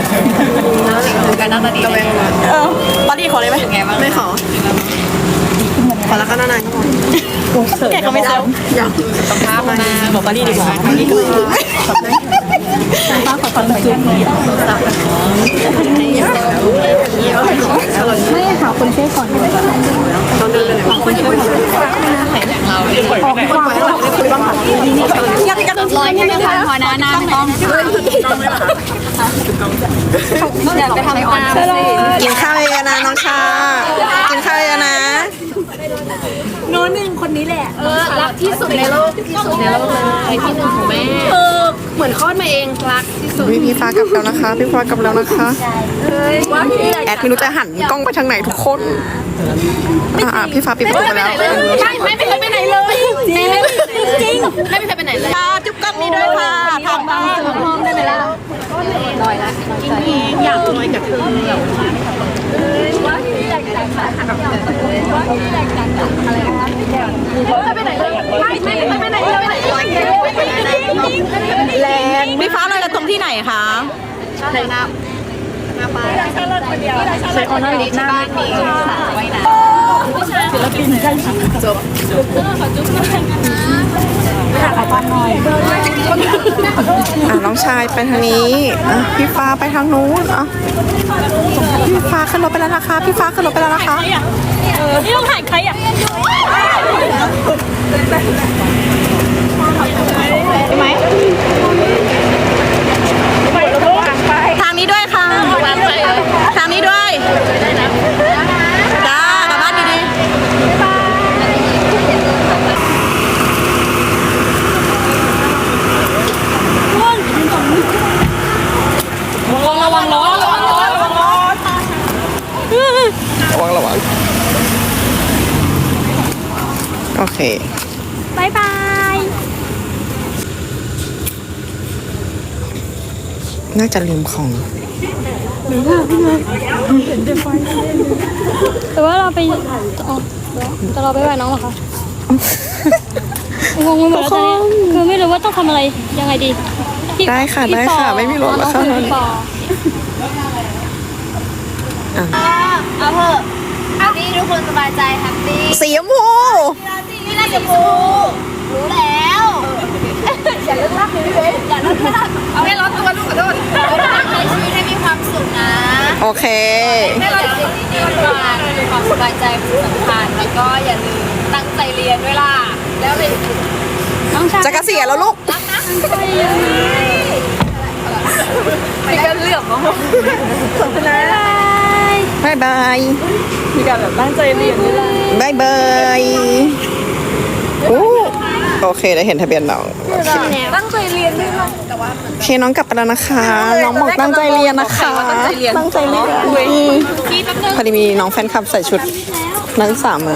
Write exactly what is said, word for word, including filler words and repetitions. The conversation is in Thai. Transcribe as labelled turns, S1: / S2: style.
S1: กันหน้าตาดีเออปาร์ตี้ขอเลยไหมไม่ขอขอแล้วก็นานๆก็พอแกเขาไม่เซลอยากต้องภาพมาบอกปาร์ตี้ดีกว่าปาร์ตี้ก็ฟ้าขอฟังหน่อยจุ๊บไม่ค่ะคนช่วยก่อนต้องเดินเลยคนช่วยก่อนเราขอให้เราได้คุยบ้างอยากจะลอยแค่ไม่พอนะหน้าไม่ต้องอยากไปทำตามกินข้าวเยอะนะน้องชากินข้าวเยอะนะโน้นหนึ่งคนนี้แหละเออรักที่สุดในโลกที่สุดในโลกเลยที่หนึ่งของแม่เออเหมือนคลอดมาเองรักที่สุดพี่ฟ้ากลับแล้วนะคะพี่ฟ้ากลับแล้วนะคะแอดไม่รู้จะหันกล้องไปทางไหนทุกคนอ่าพี่ฟ้าปิดประตูไปแล้วใช่ไม่เคยไปไหนเลยจริงจริงไม่เคยไปไหนเลยจุ๊บกล้องนี้ด้วยค่ะทำบ้างมองได้ไหมล่ะลอยละอยากลอยกับเธอไปไหนเลยไม่ไม่ไปไหนเลยแรงพี่ฟ้าลอยกระทงที่ไหนคะไหนน้ำน้ำปลาใช้ออนไลน์หน้ามีสาวไว้นะศิลปินใช่จบขอปั้นหน่อยอ่ะน้องชายไปทางนี้อ่ะพี่ฟ้าไปทางนู้นอ่ะพี่ฟ้าขึ้นรถไปแล้วนะคะพี่ฟ้าขึ้นรถไปแล้วนะคะนี่ต้องถ่ายใครอ่ะไหมทางนี้ด้วยค่ะทางนี้ด้วยจ้ากลับบ้านดีๆระวังล้อระวังล้อระวังล้อระวังระวังโอเคบายบายน่าจะลืมของ
S2: แต่ว่าเราไปอ๋อแต่เราไปไหว้น้องเหรอคะงงไปหมดแล้วตอนนี้คือไม่รู้ว่าต้องทำอะไรยังไงดี
S1: ได้ค่ะได้ค่ะไม่มีรถแล้วค่ะ
S3: เอาเถอะอันนี้ทุกคนสบายใจแฮปปี้
S1: สีชมพู
S3: นี่น่าจะพูรู้แล้วอย่าเลิกรักพี่เบสอย่าเลิกรักเอาให้ร้อนตัวลูกขอโทษใช้ชีวิตให้มีความสุขนะ
S1: โอเค
S3: ให้เราสิ่งดีๆกันความสบายใจคือสำคัญแล้วก็อย่าลืมตั้งใจเรียนด้วยล่ะแล้วเลย
S1: จะเกษียณแล้วลูก
S3: รักนะไปกันเหลื่อมมั้งขอบคุณนะ
S1: บายบาย
S3: มีการแบบตั้งใจเรียนด้วย
S1: บายบายโอ้โอเคได้เห็นทะเบียนน้อง
S3: ตั้งใจเรียนด้วยนะแต่ว่า
S1: โอเคน้องกลับไปแล้วนะคะน้องบอกตั้งใจเรียนนะคะ
S3: ตั้งใจเรียน
S1: ตั้งใจเรียนพอดีมีน้องแฟนคลับใส่ชุดนักศึกษามา